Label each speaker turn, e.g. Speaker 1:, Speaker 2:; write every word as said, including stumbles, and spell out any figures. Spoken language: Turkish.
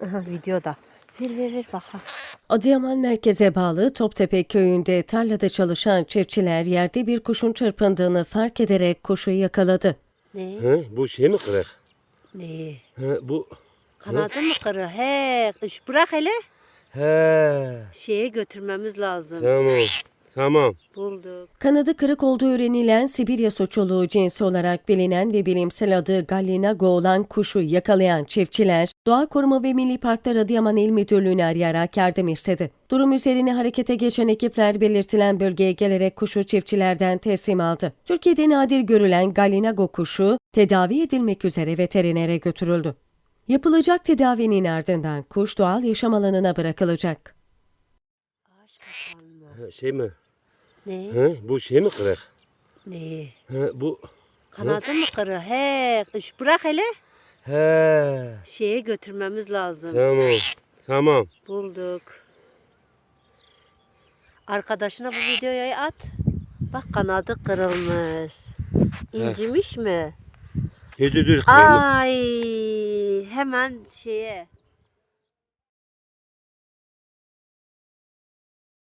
Speaker 1: Aha, videoda. Ver ver ver bakalım.
Speaker 2: Adıyaman merkeze bağlı Toptepe köyünde tarlada çalışan çiftçiler yerde bir kuşun çırpındığını fark ederek kuşu yakaladı.
Speaker 1: Ne?
Speaker 3: He, bu şey mi kırık?
Speaker 1: Ne?
Speaker 3: He, bu
Speaker 1: Kanadı mı kırı? He, iş bırak hele.
Speaker 3: he.
Speaker 1: Şeye götürmemiz lazım.
Speaker 3: Tamam. Tamam.
Speaker 1: Bulduk.
Speaker 2: Kanadı kırık olduğu öğrenilen Sibirya soçoluğu cinsi olarak bilinen ve bilimsel adı Gallinago olan kuşu yakalayan çiftçiler, Doğa Koruma ve Milli Parklar Adıyaman İl Müdürlüğü'nü arayarak yardım istedi. Durum üzerine harekete geçen ekipler belirtilen bölgeye gelerek kuşu çiftçilerden teslim aldı. Türkiye'de nadir görülen Gallinago kuşu tedavi edilmek üzere veterinere götürüldü. Yapılacak tedavinin ardından kuş doğal yaşam alanına bırakılacak.
Speaker 1: Ağaç kapan mı?
Speaker 3: He, şey mi?
Speaker 1: Ne?
Speaker 3: He, bu şey mi kırık?
Speaker 1: Ne?
Speaker 3: He, bu
Speaker 1: Kanadı mı kırı? He, iş bırak hele.
Speaker 3: he.
Speaker 1: Şeye götürmemiz lazım.
Speaker 3: Tamam. Tamam.
Speaker 1: Bulduk. Arkadaşına bu videoyu at. Bak kanadı kırılmış. İncimiş mi?
Speaker 3: Dur dur dur. kırılma.
Speaker 1: Ay, hemen şeye